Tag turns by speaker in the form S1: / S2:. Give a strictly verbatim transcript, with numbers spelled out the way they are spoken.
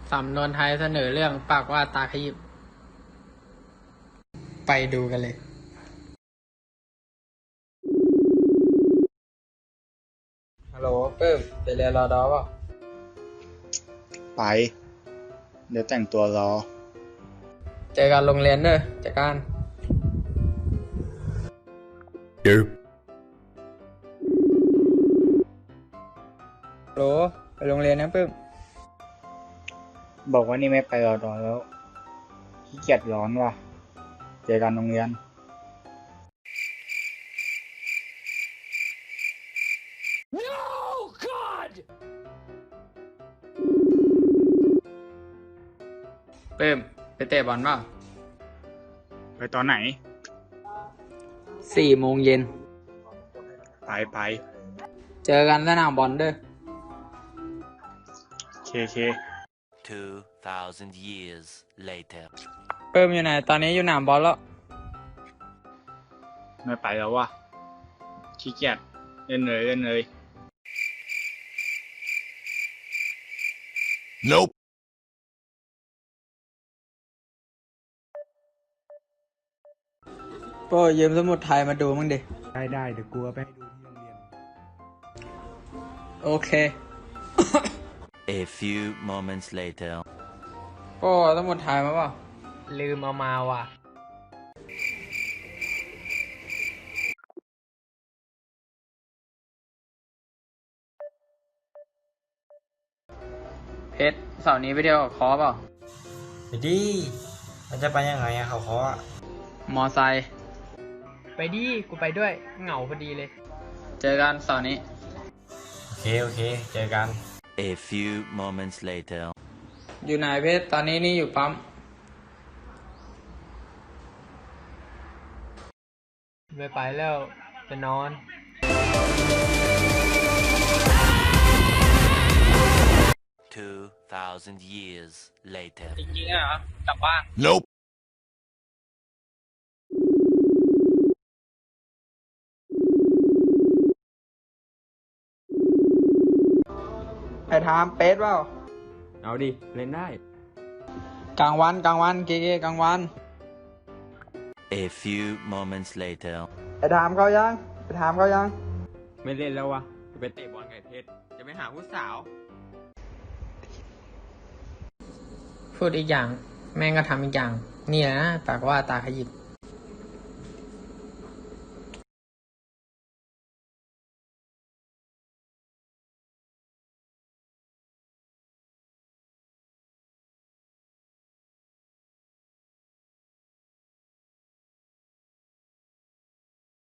S1: สำนวนไทยเสนอเรื่องปากว่าตาขยิบไปดูกันเลยฮัลโหลเปิ้มไปเรียนรอดอป่ะ
S2: ไปเดี๋ยวแต่งตัวรอ
S1: เจอกันโรงเรียนเด้อจากการ
S2: เดี๋ยว
S1: ฮัลโหลไปโรงเรียนนะเปิ้ม
S2: บอกว่านี่ไม่ไปรอดอแล้วขี้เกียจร้อนว่ะเจอกันโรงเรียน
S1: เปิ้มไปเตะบอลป่ะ
S2: ไปตอนไหน
S1: สี่โมงเย็น
S2: ไปไป
S1: เจอกันสนามบอลเด้อ
S2: เคเค
S3: two thousand years later
S1: เปิ้มอยู่ไหนตอนนี้อยู่สนามบอลแล้ว
S2: ไม่ไปแล้วว่ะขี้เกียจเล่นเลยเล่นเลย
S3: Nope
S1: โป้ยืมสมุดไทยมาดูมั้งดิ
S4: ได้ได้เดี๋ยวกูเอาไปให้ดูที่โรงเรียน
S1: โอเค
S3: A few moments later
S1: โป้สมุดไทยมาเปล่าลืมเอามาว่ะเพชรเสาร์นี้ไปเที่ยวกับคอเปล่า
S4: ไปดิมันจะไปยังไงอะเขาเคาะ
S1: มอไซค์ไปดิกูไปด้วยเหงาพอดีเลยเจอกันเสาร์นี้
S4: โอเคโอเคเจอกัน
S3: A few moments later
S1: อยู่ไหนเพชรตอนนี้นี่อยู่ปั๊มไม่ไปแล้วจะนอน
S3: two thousand years later
S1: จริงๆเหรอกลับบ้าน
S3: Nope
S1: ไอ้ทามเป็ดเปล่า
S4: เอาดิเล่นได้
S1: กลางวันกลางวันเก๋ๆกลางวัน
S3: A few moments later
S1: ไอ้ทามเขายังไอ้ทามเขายัง
S4: ไม่เล่นแล้ววะจะไปเตะบอลไก่เพชรจะไปหาผู้สาว
S1: พูดอีกอย่างแม่งก็ทำอีกอย่างนี่แหละนะปากว่าตาขยิบ